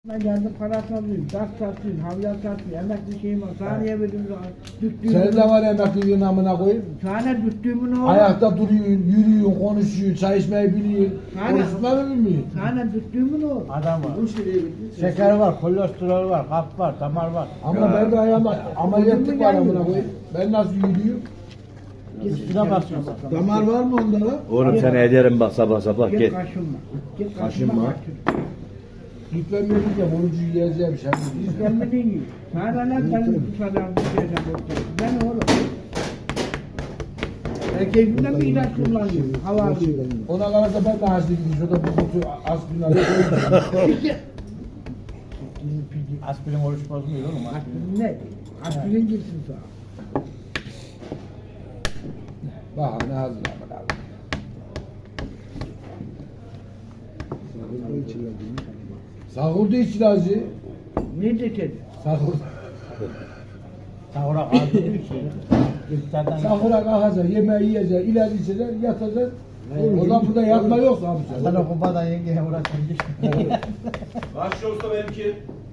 Ben geldim para satayım, gaz satayım, havyar satayım, emekli şeyim var. Saniye verdim Senin de var emekliliğin amına koyayım. Saniye düttüğümün oğlu. Ayakta duruyorsun, yürüyorsun, konuşuyorsun, çay içmeyi biliyorsun. Konuşma mı bilmiyorsun? Saniye düttüğümün oğlu. Adam var. Şeker var, kolesterol var, kalp var, damar var. Ama ben de ayağıma ameliyatlık var amına koyayım. Ben nasıl yürüyorum? Üstüne basıyorsun. Damar var mı onda da? Oğlum sen ederim bak sabah sabah Git git. kaşınma. Git Kaşınma. kaşınma. Git ben dedim ya borucu yiyeceğim sen. Git gelmedin gibi. Saniye lan benim dışarıdan bir şeyden korkuyorum. Ben oğlum. Keyfimden bir ilaç kullanıyorum. Hava alıyorum. Ona kalırsa ben de hasta gideyim. Şurada bir kutu aspirin alayım. Aspirin oruç bozmuyor oğlum. Aspirin ne? Aspirin girsin sana. Bak ne hazır amına koyayım. Sahurda iç ilacı. Ne dedi? Sahur. Sahura kaldırıyor ki. İftardan Sahura kalkacaksın, yemeği yiyeceksin, ilacı içeceksin, yatacaksın. Oradan burada yatma yok abi. Sana kumpadan yengeye uğraşın. Başlıyorsa benimki.